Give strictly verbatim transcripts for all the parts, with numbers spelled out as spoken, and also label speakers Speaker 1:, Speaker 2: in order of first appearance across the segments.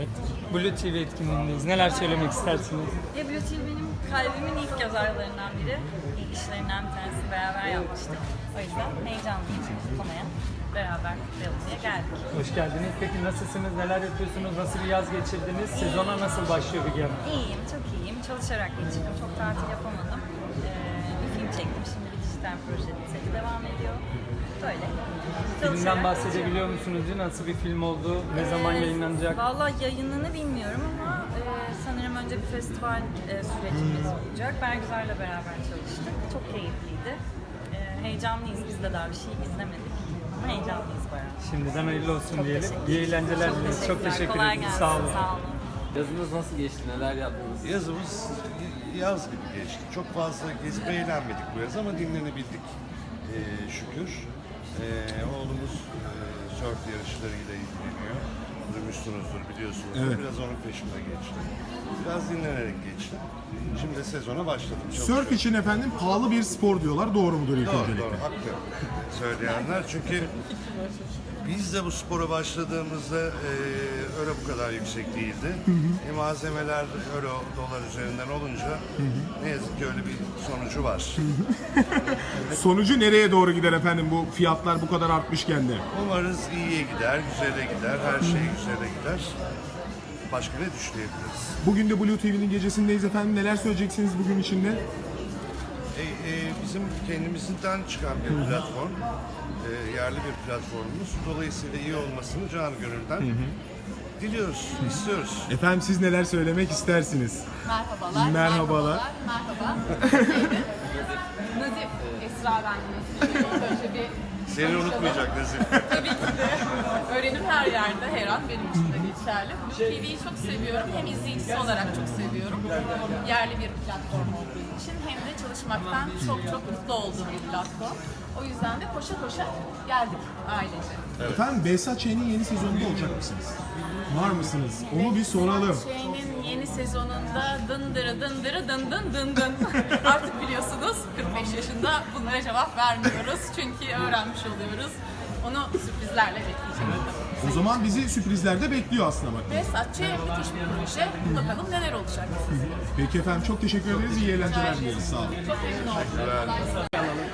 Speaker 1: Evet. Blue T V etkinliğindeyiz. Neler söylemek istersiniz?
Speaker 2: Ya Blue T V benim kalbimin ilk göz ağrılarından biri. İlk işlerinden bir tanesini beraber yapmıştık. O yüzden heyecanlıyım kutlamaya. Beraber kutlayalım diye geldik.
Speaker 1: Hoş geldiniz. Peki nasılsınız? Neler yapıyorsunuz? Nasıl bir yaz geçirdiniz? Sezona nasıl başlıyor Bilge Hanım?
Speaker 2: İyiyim, çok iyiyim. Çalışarak geçirdim. Çok tatil yapamadım. Ee, bir film çektim. Şimdi bir dijital proje seti devam ediyor. Böyle.
Speaker 1: Filmden bahsedebiliyor musunuz? Nasıl bir film oldu? Ne zaman yayınlanacak?
Speaker 2: Valla yayınını bilmiyorum ama e, sanırım önce bir festival e, sürecimiz olacak. Bergüzar'la beraber çalıştık. Çok keyifliydi. E, heyecanlıyız. Biz de daha bir şey izlemedik. Ama heyecanlıyız bayağı.
Speaker 1: Şimdiden hayırlı olsun
Speaker 2: Çok
Speaker 1: diyelim.
Speaker 2: teşekkür
Speaker 1: İyi eğlenceler
Speaker 2: Çok
Speaker 1: dileriz. Çok teşekkür
Speaker 2: Kolay
Speaker 1: ederim.
Speaker 2: gelsin.
Speaker 1: Sağ olun.
Speaker 2: Sağ olun.
Speaker 3: Yazınız nasıl geçti? Neler yaptınız?
Speaker 4: Yazımız yaz gibi geçti. Çok fazla gezip eğlenmedik bu yaz ama dinlenebildik ee, şükür. Ee, oğlumuz e, sörf yarışlarıyla ilgileniyor. Duymuşsunuzdur, biliyorsunuz.
Speaker 5: Evet.
Speaker 4: Biraz onun peşinde geçti. Biraz dinlenerek geçti. Şimdi de sezona başladım.
Speaker 5: Sörf için efendim pahalı bir spor diyorlar. Doğru mudur ilk
Speaker 4: Doğru,
Speaker 5: öncelikle?
Speaker 4: doğru, haklı söyleyenler. Çünkü biz de bu spora başladığımızda e, euro bu kadar yüksek değildi. E, malzemeler euro, dolar üzerinden olunca ne yazık ki öyle bir sonucu var.
Speaker 5: Sonucu nereye doğru gider efendim bu fiyatlar bu kadar artmışken de?
Speaker 4: Umarız iyiye gider, güzele gider, her şey güzele gider. Başka ne düşünebiliriz?
Speaker 5: Bugün de Blue T V'nin gecesindeyiz efendim. Neler söyleyeceksiniz bugün içinde?
Speaker 4: E, e, bizim kendimizden çıkan bir platform, e, yerli bir platformumuz. Dolayısıyla iyi olmasını canı gönülden diliyoruz, istiyoruz.
Speaker 5: Efendim siz neler söylemek istersiniz?
Speaker 6: Merhabalar.
Speaker 5: Merhabalar.
Speaker 6: Merhaba. Neydi? Nazif. Esra ben Nazif. Böyle bir
Speaker 4: Seni unutmayacak Nazif.
Speaker 6: tabii ki de öğrenim her yerde, her an benim için de geçerli. Blue T V'yi çok seviyorum. Hem izleyicisi olarak çok seviyorum. Yerli bir platform olduğu için hem de çalışmaktan çok çok mutlu olduğum bir platform. O yüzden de koşa koşa geldik ailece.
Speaker 5: Efendim Behzat Ç'nin yeni sezonunda olacak mısınız? Var mısınız? Onu bir soralım.
Speaker 6: Şeyinin yeni sezonunda dındırı dındırı dın dın dın dın. Artık biliyorsunuz kırk beş yaşında bunlara cevap vermiyoruz. Çünkü öğrenmiş oluyoruz. Onu sürprizlerle bekleyeceğim.
Speaker 5: O zaman bizi sürprizlerde bekliyor aslında bak.
Speaker 6: Ve Satçı müthiş bir proje. Bakalım neler olacak.
Speaker 5: Peki efendim çok teşekkür ederiz. İyi eğlenceler dileriz. Sağ olun.
Speaker 6: Çok memnun oldum.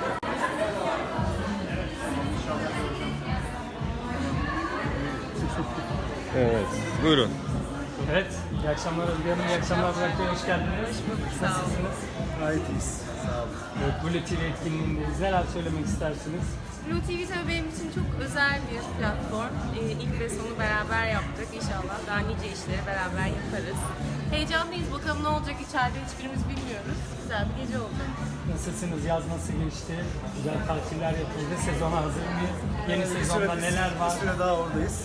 Speaker 3: Evet. Buyurun.
Speaker 1: Evet. İyi akşamlar Bilge Hanım. İyi akşamlar Burak Bey. Hoş geldiniz. Nasılsınız?
Speaker 7: Gayet iyiyiz. Sağ olun.
Speaker 1: Evet, Blue T V etkinliğindeyiz. Neler söylemek istersiniz?
Speaker 8: Blue T V tabii benim için çok özel bir platform. Ee, ilk ve sonu beraber yaptık. İnşallah daha nice işleri beraber yaparız. Heyecanlıyız. Bakalım ne olacak içeride hiçbirimiz bilmiyoruz. Güzel bir gece oldu.
Speaker 1: Nasılsınız? Yaz nasıl geçti? Güzel tatiller yapıldı. Sezona hazır mıyız? Yeni sezonda neler var?
Speaker 7: Bir süre daha oradayız.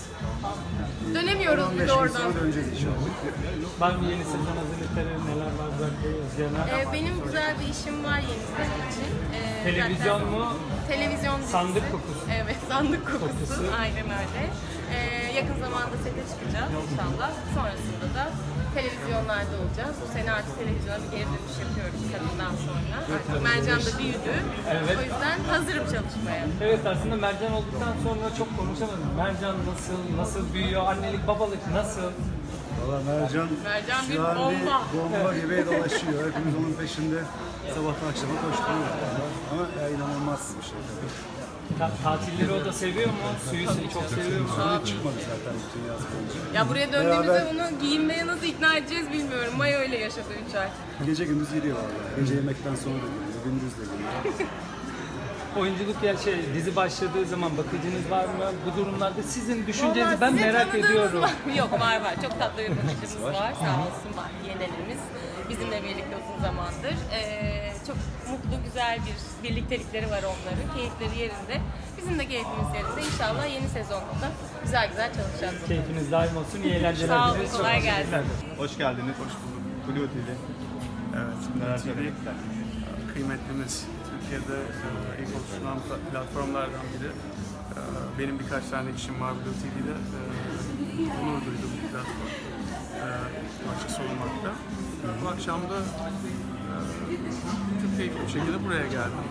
Speaker 8: Dönemiyoruz
Speaker 7: on
Speaker 8: biz
Speaker 7: beş
Speaker 8: de
Speaker 7: gün
Speaker 8: oradan.
Speaker 7: sonra döneceğiz inşallah.
Speaker 1: Var mı yeni sezon hazırlıkları? Neler var Burak Bey? Özge Hanım?
Speaker 8: Ee, benim güzel bir işim var yeni sezon için. Ee,
Speaker 1: Televizyon
Speaker 8: zaten-
Speaker 1: mu?
Speaker 8: Televizyon dizisi.
Speaker 1: Sandık kokusu.
Speaker 8: Evet, sandık kokusu.
Speaker 1: Kokusu.
Speaker 8: Aynen öyle. Ee, yakın zamanda sete çıkacağız inşallah. Sonrasında da televizyonlarda olacağız. Bu sene artık televizyona bir geri dönüş yapıyoruz kadından sonra. Artık Mercan da büyüdü.
Speaker 1: Evet.
Speaker 8: O yüzden hazırım çalışmaya.
Speaker 1: Evet, aslında Mercan olduktan sonra çok konuşamadım. Mercan nasıl, nasıl büyüyor, annelik, babalık nasıl?
Speaker 7: Valla Mercan,
Speaker 8: Mercan bir
Speaker 7: şu an
Speaker 8: bomba.
Speaker 7: bir bomba gibi dolaşıyor. Hepimiz onun peşinde sabahtan akşama koşturuyoruz. Ama ya, inanılmaz bir şey tabii.
Speaker 1: Ta- tatilleri o da seviyor mu? Suyu çok seviyor mu?
Speaker 7: Sonra çıkmadı zaten bütün yaz boyunca.
Speaker 8: Ya buraya döndüğümüzde
Speaker 7: Beraber-
Speaker 8: bunu giyinmeye nasıl ikna edeceğiz bilmiyorum. Maya öyle yaşadı üç ay.
Speaker 7: Gece gündüz giriyor valla. Gece yemekten sonra da geliyor, gündüz de geliyor.
Speaker 1: Oyunculuk ya şey dizi başladığı zaman bakıcınız var mı? Bu durumlarda sizin düşüncenizi
Speaker 8: Vallahi
Speaker 1: ben
Speaker 8: sizi
Speaker 1: merak
Speaker 8: tanıdığınız
Speaker 1: ediyorum.
Speaker 8: var mı? Yok var var. Çok tatlı bir bakıcımız var. Sağ olsun var. Yeğenlerimiz. Bizimle birlikte uzun zamandır. Ee, çok mutlu, güzel bir birliktelikleri var onların. Keyifleri yerinde. Bizim de keyfimiz yerinde. İnşallah yeni sezonda da güzel güzel çalışacağız.
Speaker 1: Keyfiniz daim olsun. İyi eğlenceler
Speaker 8: Sağ olun,
Speaker 1: dileriz. Çok
Speaker 8: kolay
Speaker 1: teşekkürler.
Speaker 8: gelsin.
Speaker 9: Hoş geldiniz. Hoş bulduk. Blue T V. Evet, Blue T V kıymetlimiz. Türkiye'de e, ilk oluşturulan pla- platformlardan biri. E, benim birkaç tane işim var Blue T V'de. E, onur duydum bu platform. E, açık olmakta. Bu akşam da e, çok keyifli bir şekilde buraya geldim.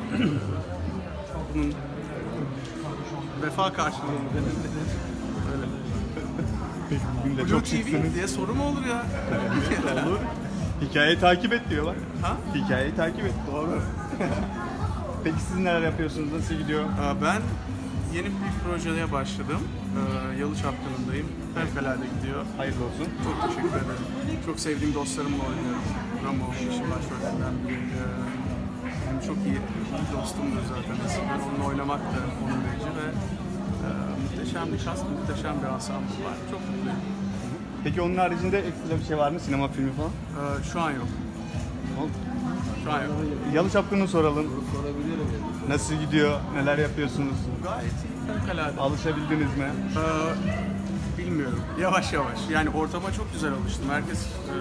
Speaker 9: Bunun vefa karşılığını öyle.
Speaker 5: Peki bugün de
Speaker 9: Blue
Speaker 5: çok
Speaker 9: T V
Speaker 5: şıksınız.
Speaker 9: diye soru mu olur ya?
Speaker 5: Olur. Hikayeyi takip et diyorlar.
Speaker 9: Ha?
Speaker 5: Hikayeyi takip et. Doğru. Peki siz neler yapıyorsunuz? Nasıl gidiyor?
Speaker 9: Ee, Ben yeni bir projeye başladım. Ee, Yalı Çapkını'ndayım. Fevkalade gidiyor.
Speaker 5: Hayırlı olsun.
Speaker 9: Çok teşekkür ederim. Çok sevdiğim dostlarımla oynuyorum. Ramo, işin başrollerinden biri. Ee, Yani çok iyi bir dostumdur zaten eskiden. Onunla oynamak da onun verici ve e, muhteşem bir kast, muhteşem bir ensemble var. Çok mutluyum.
Speaker 5: Peki onun haricinde ekstra bir şey var mı? Sinema filmi falan?
Speaker 9: Ee, Şu an yok. Şu an yok.
Speaker 5: Yalı Çapkın'ı soralım. Nasıl gidiyor? Neler yapıyorsunuz?
Speaker 9: Gayet iyi, fevkalade.
Speaker 5: Alışabildiniz mi?
Speaker 9: Ee, bilmiyorum. Yavaş yavaş. Yani ortama çok güzel alıştım. Herkes e,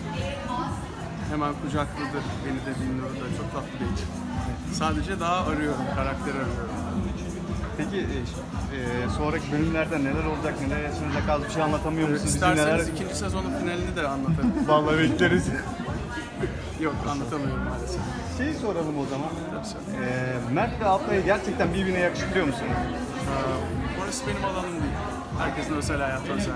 Speaker 9: hemen kucakladı beni de dinliyordu. Çok tatlı bir ekip. Sadece daha arıyorum, karakteri arıyorum.
Speaker 5: Peki e, e, sonraki bölümlerde neler olacak? Neler yaşanacak? Az bir şey anlatamıyor musunuz? Bize
Speaker 9: İsterseniz
Speaker 5: neler...
Speaker 9: ikinci sezonun finalini de anlatırım.
Speaker 5: Vallahi bekleriz.
Speaker 9: Yok, anlatamıyorum maalesef.
Speaker 5: Şeyi soralım o zaman.
Speaker 9: Tabii sen.
Speaker 5: E, Mert ve Abla'yı gerçekten birbirine yakıştırıyor musunuz?
Speaker 9: Ee, Orası benim alanım değil. Herkesin özel hayatı özel.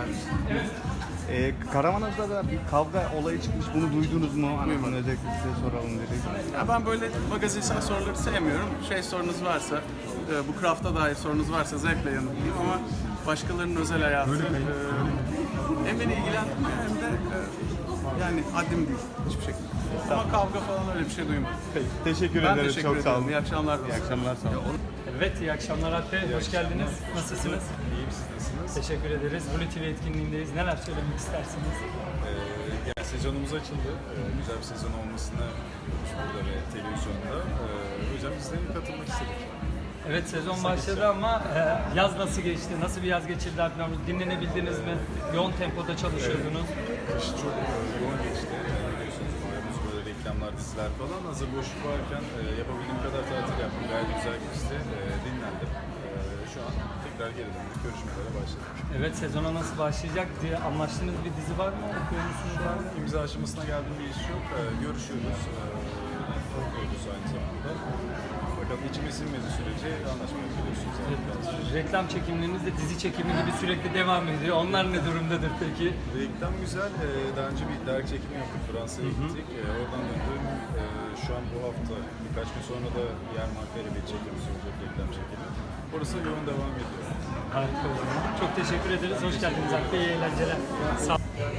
Speaker 5: E, Karamanoz'da da bir kavga olayı çıkmış. Bunu duydunuz mu? Hani
Speaker 9: Duymadım.
Speaker 5: özellikle size soralım dedik.
Speaker 9: Ya ben böyle magazinsel soruları sevmiyorum. Şey sorunuz varsa, e, bu craft'a dair sorunuz varsa zevkle yanıtlayayım ama başkalarının özel hayatı e, hem beni ilgilendirmiyor hem de e, yani haddim değil hiçbir şekilde. Ama kavga falan öyle bir şey duymadım.
Speaker 5: Peki, teşekkür
Speaker 9: Ben
Speaker 5: ederiz.
Speaker 9: teşekkür
Speaker 5: Çok sağ
Speaker 9: ederim.
Speaker 5: olun.
Speaker 9: İyi akşamlar.
Speaker 5: İyi akşamlar. Sağ olun.
Speaker 1: Evet, iyi akşamlar Alp Bey. Hoş geldiniz. Nasılsınız?
Speaker 3: İyiyim, siz nasılsınız?
Speaker 1: Teşekkür ederiz. Blue T V etkinliğindeyiz. Neler söylemek istersiniz?
Speaker 3: Ee, yani sezonumuz açıldı. Ee, güzel bir sezon olmasını umuyoruz burada ve televizyonda. Ee, o yüzden biz de katılmak istedik.
Speaker 1: Evet, sezon başladı ama e, yaz nasıl geçti? Nasıl bir yaz geçirdi Alp Bey? Dinlenebildiniz mi? Yoğun tempoda çalışıyordunuz.
Speaker 3: Kış çok e, yoğun geçti. Ee, biliyorsunuz malumuz böyle reklamlar, diziler falan. Hazır boşluk varken e, yapabildiğim kadar tatil yaptım. Gayet güzel geçti. E, dinlendim. E, şu an tekrar geri döndük. Görüşmelere başladık.
Speaker 1: Evet, sezona nasıl başlayacak diye anlaştığınız bir dizi var mı? Okuyor musunuz? Var mı?
Speaker 3: İmza aşamasına geldiğim bir iş yok. Ee, görüşüyoruz. Ee, okuyoruz aynı zamanda. Fakat içime sinmediği sürece anlaşma yapıyorsunuz.
Speaker 1: Reklam çekimleriniz de dizi çekimi gibi sürekli devam ediyor. Onlar ne durumdadır peki?
Speaker 3: Reklam güzel. Ee, daha önce bir dergi çekimi yaptık. Fransa'ya gittik. Ee, oradan döndüm. Ee, şu an bu hafta birkaç gün sonra da diğer markayla bir çekimimiz olacak. Reklam çekimi. Orası yoğun devam ediyor.
Speaker 1: Harika o zaman. Çok teşekkür ederiz. Hoş geldiniz Alp Bey. İyi eğlenceler. Sağ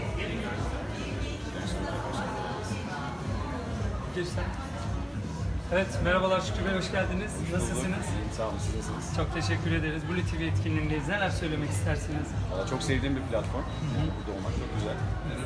Speaker 1: Girsen. Evet, merhabalar Şükrü Bey, hoş geldiniz. Nasılsınız?
Speaker 10: Sağ olun, siz nasılsınız?
Speaker 1: Çok teşekkür ederiz. Blue T V etkinliğindeyiz. Neler söylemek istersiniz?
Speaker 10: Valla çok sevdiğim bir platform. Yani burada olmak çok güzel.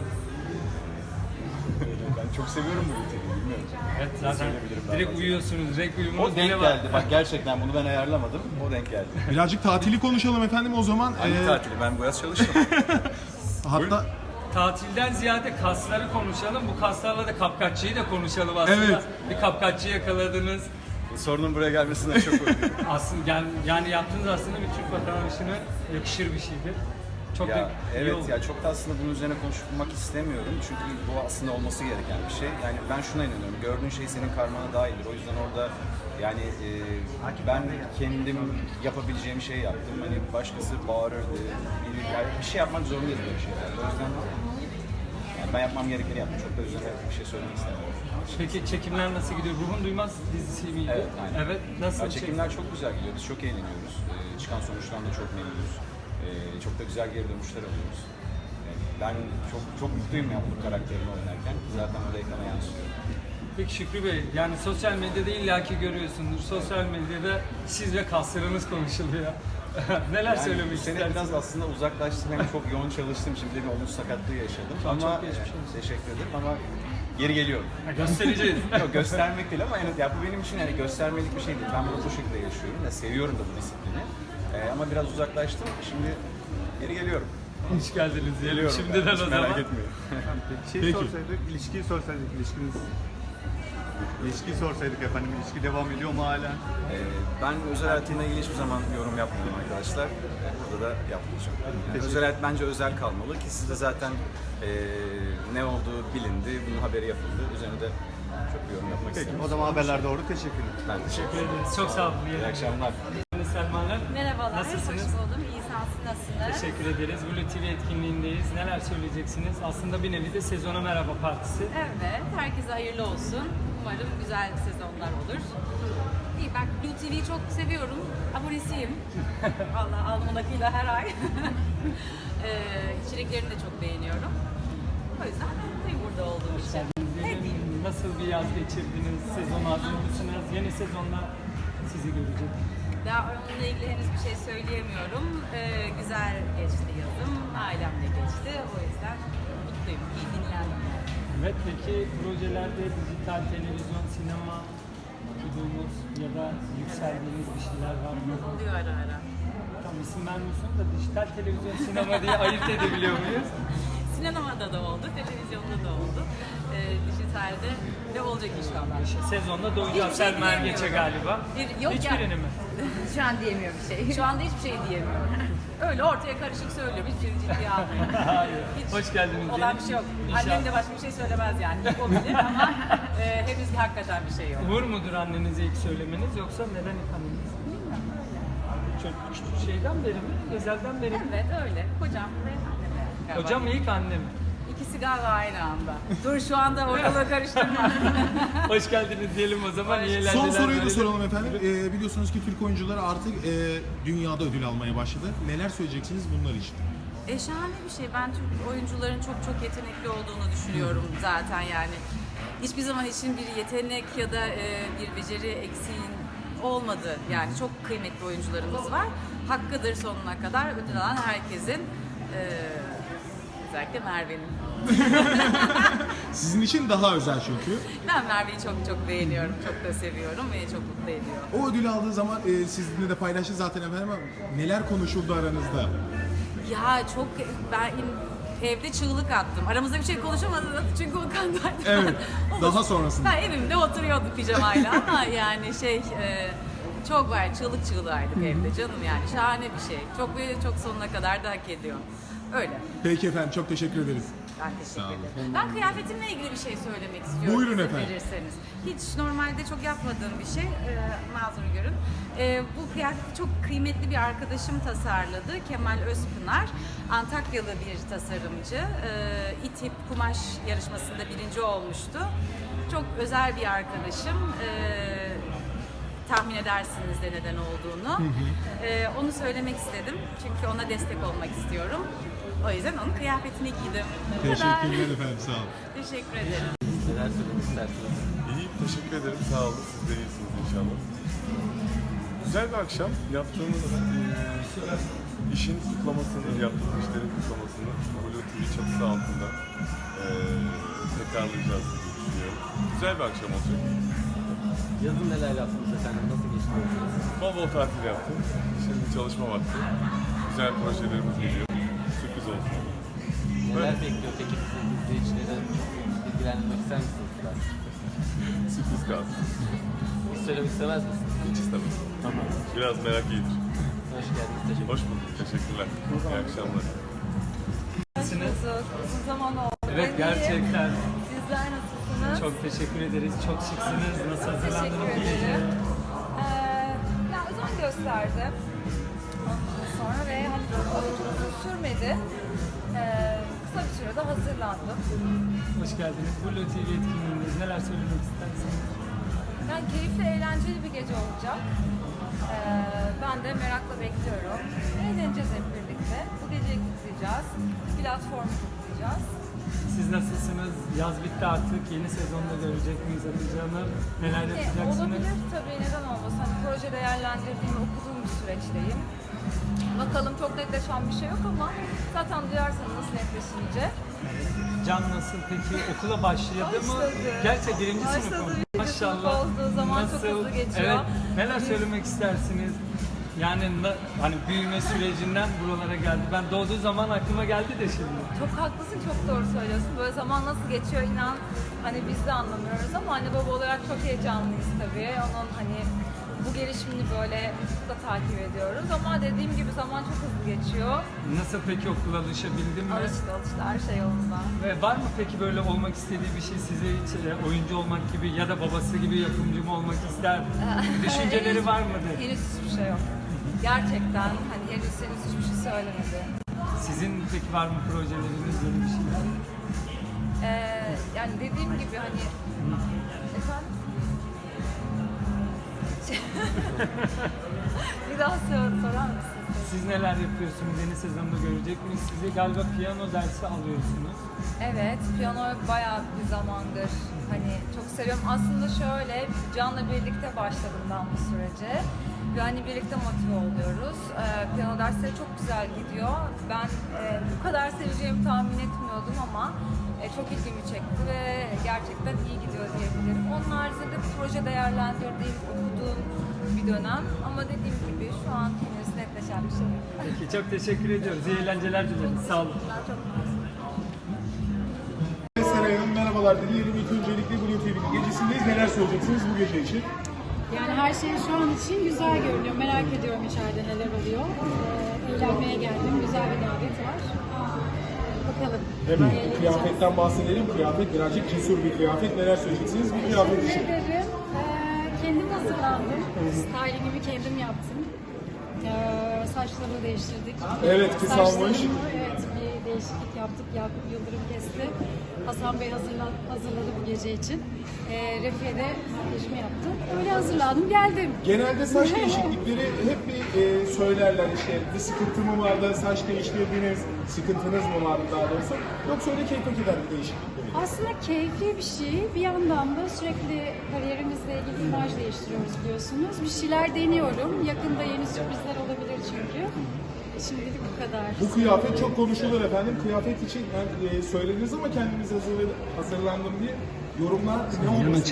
Speaker 10: Ben çok seviyorum bu T V'yi, bilmiyorum.
Speaker 1: Evet, zaten
Speaker 10: söyleyebilirim daha
Speaker 1: direkt
Speaker 10: fazla.
Speaker 1: uyuyorsunuz. Renk uyumunuz
Speaker 10: O denk
Speaker 1: bile var.
Speaker 10: geldi. Bak gerçekten bunu ben ayarlamadım. O denk geldi.
Speaker 5: Birazcık tatili konuşalım efendim o zaman.
Speaker 10: Hangi
Speaker 5: Ee,
Speaker 10: tatili? Ben bu yaz çalıştım.
Speaker 5: Hatta
Speaker 1: Tatilden ziyade kasları konuşalım. Bu kaslarla da kapkaççıyı da konuşalım aslında.
Speaker 5: Evet.
Speaker 1: Bir kapkaççı yakaladınız.
Speaker 10: Sorunun buraya gelmesinden çok mutluyum.
Speaker 1: Aslında yani, yani yaptığınız aslında bir Türk vatandaşına yakışır bir şeydir. Çok da
Speaker 10: Ya,
Speaker 1: iyi
Speaker 10: evet
Speaker 1: oldu.
Speaker 10: ya çok da aslında bunun üzerine konuşmak istemiyorum çünkü bu aslında olması gereken bir şey. Yani ben şuna inanıyorum, gördüğün şey senin karmana dahildir. O yüzden orada yani e, ben kendim yapabileceğim şeyi yaptım. Hani başkası bağırırdı, biri, yani bir şey yapmak zorundayız böyle şeylerde. O yüzden yani ben yapmam gerekeni yaptım. Çok da üzerine bir şey söylemek istemiyorum.
Speaker 1: Peki çekimler nasıl gidiyor? Ruhun Duymaz dizisi miydi?
Speaker 10: Evet, aynen.
Speaker 1: Evet, nasıl?
Speaker 10: Ya, çekimler çok güzel gidiyor, biz çok eğleniyoruz. Ee, çıkan sonuçtan da çok memnunuz. Ee, çok da güzel geri dönüşler alıyoruz. Yani ben çok çok mutluyum ya bu karakterimi oynarken. Zaten o da ekrana yansıyor.
Speaker 1: Peki Şükrü Bey, yani sosyal medyada illaki görüyorsundur. Sosyal medyada siz ve kaslarınız konuşuluyor. Neler
Speaker 10: Yani
Speaker 1: söylemek
Speaker 10: bu sene
Speaker 1: istersiniz?
Speaker 10: biraz aslında uzaklaştım, hem çok yoğun çalıştım. Şimdi bir omuz sakatlığı yaşadım.
Speaker 1: Çok-
Speaker 10: ama
Speaker 1: çok geçmiş olsun.
Speaker 10: teşekkür ederim ama geri geliyorum.
Speaker 1: Ha, göstereceğiz.
Speaker 10: Yok göstermek değil ama yani, ya bu benim için yani göstermelik bir şey değil. Ben bunu bu şekilde yaşıyorum ve seviyorum da bu disiplini. Ee, ama biraz uzaklaştım. Şimdi geri geliyorum.
Speaker 1: Hoş geldiniz diyelim
Speaker 10: Geliyorum
Speaker 1: şimdiden
Speaker 10: ben,
Speaker 1: o
Speaker 10: hiç
Speaker 1: zaman.
Speaker 10: merak etmeyin.
Speaker 5: şey Peki. sorsaydık, ilişkiyi sorsaydık, ilişkiniz... İlişkiyi sorsaydık efendim, ilişki devam ediyor mu hala?
Speaker 10: Ee, ben özel hayatımla ilgili hiçbir zaman yorum yapmıyorum arkadaşlar. Ee, burada da yapmayacağım. Yani özel hayat bence özel kalmalı ki sizde zaten ee, ne olduğu bilindi, bunun haberi yapıldı. Üzerine de çok bir yorum yapmak
Speaker 5: Peki,
Speaker 10: istemiyorum.
Speaker 5: o zaman haberler doğru. Teşekkürler.
Speaker 10: Ben teşekkür
Speaker 1: Teşekkür ederiz. Çok sağ olun.
Speaker 10: İyi akşamlar.
Speaker 1: Selma Hanım.
Speaker 2: Merhabalar,
Speaker 1: Nasılsınız?
Speaker 2: hoş buldum. İyi sensin, nasılsınız?
Speaker 1: Teşekkür ederiz. Blue T V etkinliğindeyiz. Neler söyleyeceksiniz? Aslında bir nevi de sezona merhaba partisi.
Speaker 11: Evet, herkese hayırlı olsun. Umarım güzel sezonlar olur. İyi, ben Blue T V'yi çok seviyorum. Abonesiyim. Vallahi alnımın akıyla her ay. ee, içeriklerini de çok beğeniyorum. O yüzden mutluyum burada olduğum için. Ne diyeyim?
Speaker 1: Nasıl bir yaz geçirdiniz? Sezon hazır mısınız? Yeni sezonda sizi görecek.
Speaker 11: Daha onunla ilgili henüz bir şey söyleyemiyorum. Ee, güzel geçti yazım. Ailemle geçti. O yüzden mutluyum. İyi dinlendim.
Speaker 1: Evet, peki projelerde dijital, televizyon, sinema okuduğunuz ya da yükseldiğiniz bir şeyler var mı?
Speaker 11: Oluyor ara ara.
Speaker 1: Tam isim vermiyorsun da dijital, televizyon, sinema diye ayırt edebiliyor muyuz?
Speaker 11: Sinemada da oldu, televizyonda da oldu. Ee, dijitalde de olacak inşallah.
Speaker 1: Sezonda doyacağız
Speaker 11: Hiçbir şey
Speaker 1: Selma Ergeç'e
Speaker 11: diyemiyorum.
Speaker 1: galiba.
Speaker 11: Bir- yok
Speaker 1: Hiçbirini
Speaker 11: ya.
Speaker 1: mi?
Speaker 11: Şu an diyemiyorum bir şey. Şu anda hiçbir şey diyemiyorum. Öyle ortaya karışık söylüyorum. Hiçbir şey ciddiye almıyorum.
Speaker 1: Hayır.
Speaker 11: Hiç
Speaker 1: Hoş geldiniz.
Speaker 11: olan
Speaker 1: diyelim.
Speaker 11: bir şey yok.
Speaker 1: İnşallah.
Speaker 11: Annem de başka bir şey söylemez yani. O bilir ama e, henüz hakikaten bir şey yok.
Speaker 1: Uğur mudur annenize ilk söylemeniz yoksa neden ilk anneniz?
Speaker 11: Bilmiyorum öyle.
Speaker 1: Çok küçük şeyden beri mi? Özelden beri mi?
Speaker 11: Evet öyle. Kocam ve annem. galiba.
Speaker 1: Hocam ilk annem.
Speaker 11: İkisi galiba aynı anda. Dur şu anda ortalığı karıştırma.
Speaker 1: Hoş geldiniz diyelim o zaman. İyi
Speaker 12: Son
Speaker 1: eğlenceler
Speaker 12: soruyu da
Speaker 1: dilerim.
Speaker 12: soralım efendim. Ee, biliyorsunuz ki Türk oyuncuları artık e, dünyada ödül almaya başladı. Neler söyleyeceksiniz bunlar için?
Speaker 11: E, şahane bir şey. Ben Türk oyuncuların çok çok yetenekli olduğunu düşünüyorum zaten yani. Hiçbir zaman için bir yetenek ya da e, bir beceri eksiğin olmadı. Yani çok kıymetli oyuncularımız var. Hakkıdır sonuna kadar ödül alan herkesin. E, özellikle Merve'nin.
Speaker 12: Sizin için daha özel çünkü.
Speaker 11: Ben Merve'yi çok çok beğeniyorum. Çok da seviyorum ve çok mutlu ediyor.
Speaker 12: O ödülü aldığı zaman e, sizinle de paylaştı zaten efendim ama neler konuşuldu aranızda?
Speaker 11: Ya çok ben evde çığlık attım. Aramızda bir şey konuşamadık çünkü o kandaydı.
Speaker 12: Evet, daha sonrasında.
Speaker 11: Ben evimde oturuyordum pijamayla ama yani şey e, çok var çığlık çığlığaydık evde canım yani şahane bir şey. Çok ve çok sonuna kadar da hak ediyor. Öyle.
Speaker 12: Peki efendim, çok teşekkür ederiz.
Speaker 11: Ben teşekkür
Speaker 12: Sağ olun.
Speaker 11: ederim. Ben kıyafetimle ilgili bir şey söylemek istiyorum.
Speaker 12: Buyurun
Speaker 11: izin
Speaker 12: efendim.
Speaker 11: verirseniz. Hiç normalde çok yapmadığım bir şey. Ee, mazur görün. Ee, bu kıyafeti çok kıymetli bir arkadaşım tasarladı. Kemal Özpınar. Antakyalı bir tasarımcı. Ee, İTİP kumaş yarışmasında birinci olmuştu. Çok özel bir arkadaşım. Ee, tahmin edersiniz de neden olduğunu. Ee, onu söylemek istedim. Çünkü ona destek olmak istiyorum. O yüzden onun kıyafetini giydim. Bu kadar.
Speaker 12: Teşekkürler efendim, sağ olun.
Speaker 11: Teşekkür ederim.
Speaker 13: Neler söylemek istersiniz?
Speaker 3: İyi, teşekkür ederim. Sağ olun. Siz de iyisiniz inşallah. Güzel bir akşam. Yaptığımız eee, işin kutlamasını, yaptığımız işlerin kutlamasını Blue T V çatısı altında eee tekrarlayacağız diye düşünüyorum. Güzel bir akşam olacak.
Speaker 13: Yazın neler yaptınız efendim? Nasıl geçti?
Speaker 3: Bol bol tatil yaptım. Şimdi çalışma vakti. Güzel projelerimiz geliyor. Sürpriz olsun.
Speaker 13: Neler bekliyor peki bizi izleyicileri? Bilgilendirmek ister misiniz? Biraz?
Speaker 3: Sürpriz kalsın.
Speaker 13: Hiç söylemek istemez misiniz?
Speaker 3: Hiç istemem.
Speaker 13: Tamam.
Speaker 3: Biraz merak iyidir.
Speaker 13: Hoş geldiniz. Teşekkür
Speaker 3: Hoş bulduk. Teşekkürler. İyi akşamlar.
Speaker 2: Uzun zaman oldu.
Speaker 1: Evet, gerçekten.
Speaker 2: Sizler nasılsınız?
Speaker 1: Çok teşekkür ederiz. Çok şıksınız. Nasıl hazırlandınız?
Speaker 2: Teşekkür ederim. Ee, ya özen gösterdim. Ondan sonra ve hani çok uzun sürmedi. Ee, kısa bir sürede hazırlandım.
Speaker 1: Hoş geldiniz. Blue T V etkinliğindeyiz. Neler söylemek istersiniz?
Speaker 2: Yani keyifli, eğlenceli bir gece olacak. Ee, ben de merakla bekliyorum. Eğleneceğiz hep birlikte. Bu geceyi kutlayacağız. Platformu kutlayacağız.
Speaker 1: Siz nasılsınız? Yaz bitti artık. Yeni sezonda görecek miyiz Hatice Hanım? Neler
Speaker 2: Yani
Speaker 1: yapacaksınız?
Speaker 2: olabilir tabii, neden olmasın. Hani proje değerlendirdiğim, okuduğum bir süreçteyim. Bakalım, çok netleşen bir şey yok ama zaten duyarsanız netleşince.
Speaker 1: Can nasıl peki? Okula başladı mı?
Speaker 2: Başladı.
Speaker 1: Gerçi birinci
Speaker 2: Başladı.
Speaker 1: sınıf mı?
Speaker 2: Birinci sınıf olduğu zaman çok hızlı geçiyor.
Speaker 1: Evet. Neler
Speaker 2: Biz-
Speaker 1: söylemek istersiniz? Yani na- hani büyüme sürecinden buralara geldi. Ben doğduğu zaman aklıma geldi de şimdi.
Speaker 2: Çok haklısın, çok doğru söylüyorsun. Böyle zaman nasıl geçiyor inan hani biz de anlamıyoruz ama anne baba olarak çok heyecanlıyız tabii. Onun hani bu gelişimini böyle da takip ediyoruz ama dediğim gibi zaman çok hızlı geçiyor.
Speaker 1: Nasıl peki okula alışabildin mi?
Speaker 2: Alıştı alıştı her şey yolunda.
Speaker 1: Ve var mı peki böyle olmak istediği bir şey size hiç e, oyuncu olmak gibi ya da babası gibi yapımcı mı olmak ister? Düşünceleri
Speaker 2: Henüz-
Speaker 1: var mıdır?
Speaker 2: Henüz hiçbir şey yok. Gerçekten hani henüz henüz hiçbir şey söylemedi.
Speaker 1: Sizin peki var mı projeleriniz, yeni bir şeyler?
Speaker 2: Ee, yani dediğim gibi hani efendim bir daha sor, sorar mısın?
Speaker 1: Siz neler yapıyorsunuz? Yeni sezonda görecek miyiz? Sizi galiba piyano dersi alıyorsunuz.
Speaker 2: Evet, piyanoyu bayağı bir zamandır hani çok seviyorum. Aslında şöyle, Can'la birlikte başladım ben bu sürece. Ve hani birlikte motive oluyoruz. Ee, piyano dersleri çok güzel gidiyor. Ben e, bu kadar seveceğimi tahmin etmiyordum ama e, çok ilgimi çekti ve gerçekten iyi gidiyor diyebilirim. Onun haricinde bir proje değerlendirdiğim, okuduğum bir dönem. Ama dediğim gibi şu an henüz netleşen bir şey yok.
Speaker 1: Peki çok teşekkür ediyoruz. İyi eğlenceler dileriz. Sağ olun.
Speaker 2: Çok
Speaker 14: Seray Hanım merhabalar dilerim. İlk öncelikle Blue T V'nin gecesindeyiz. Neler söyleyeceksiniz bu gece için?
Speaker 15: Yani her şey şu an için güzel görünüyor. Merak ediyorum içeride neler oluyor. Ee, eğlenmeye geldim. Güzel bir davet var. Bakalım.
Speaker 14: Hemen
Speaker 15: Eğleneceğiz.
Speaker 14: kıyafetten bahsedelim. Kıyafet birazcık cesur bir kıyafet. Neler söyleyeceksiniz bu kıyafet
Speaker 15: Teşekkür
Speaker 14: için?
Speaker 15: ederim. Ee, kendim hazırlandım. Stylingimi kendim yaptım. Ee, saçlarımı değiştirdik.
Speaker 14: Evet, kısalmış.
Speaker 15: Saçlarımı, evet, bir değişiklik yaptık. Yakup Yıldırım kesti. Hasan Bey hazırla, hazırladı bu gece için. Ee, Refiye de makyajımı yaptım. Öyle hazırlandım, geldim.
Speaker 14: Genelde saç değişiklikleri hep bir e, söylerler işte bir sıkıntı mı vardı, saç değiştirdiniz, sıkıntınız mı vardı daha doğrusu. Yoksa öyle keyfe giden bir değişiklik mi?
Speaker 15: Aslında keyifli bir şey. Bir yandan da sürekli kariyerimizle ilgili imaj değiştiriyoruz biliyorsunuz. Bir şeyler deniyorum. Yakında yeni sürprizler olabilir çünkü. Şimdilik bu kadar.
Speaker 14: Bu kıyafet çok konuşulur efendim. Kıyafet için yani, e, söylediniz ama kendimiz hazırladım, hazırlandım diye yorumlar ne olmasın?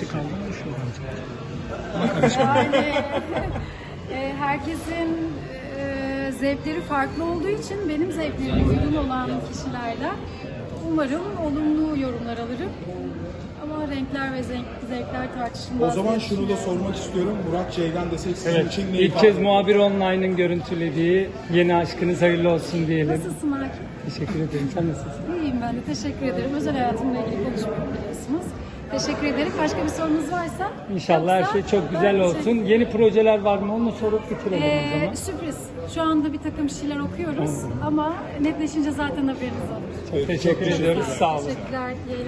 Speaker 15: Yani e, herkesin e, zevkleri farklı olduğu için benim zevklerime uygun olan kişilerden umarım olumlu yorumlar alırım. Ama renkler ve zevk, zevkler tartışılmaz.
Speaker 14: O zaman
Speaker 15: diye
Speaker 14: şunu da
Speaker 15: düşünüyorum.
Speaker 14: sormak istiyorum. Murat Ceylan desek sizin
Speaker 1: Evet,
Speaker 14: için ne
Speaker 1: ilk
Speaker 14: ifade
Speaker 1: kez
Speaker 14: ediyor?
Speaker 1: Muhabir Online'ın görüntülediği yeni aşkınız hayırlı olsun diyelim.
Speaker 15: Nasılsın Akif?
Speaker 1: Teşekkür ederim. Sen nasılsın?
Speaker 15: İyiyim ben de. Teşekkür ederim. Özel hayatımla ilgili konuşmuyorum biliyorsunuz. Teşekkür ederim. Başka bir sorunuz varsa?
Speaker 1: İnşallah her
Speaker 15: Yoksa
Speaker 1: şey çok güzel
Speaker 15: ben
Speaker 1: olsun.
Speaker 15: teşekkür-
Speaker 1: Yeni projeler var mı? Onu sorup bitirelim o
Speaker 15: Ee,
Speaker 1: zaman.
Speaker 15: sürpriz. Şu anda bir takım şeyler okuyoruz ama netleşince zaten haberiniz olur.
Speaker 1: Çok teşekkür ediyoruz. Sağ olun.
Speaker 15: Teşekkürler. İyi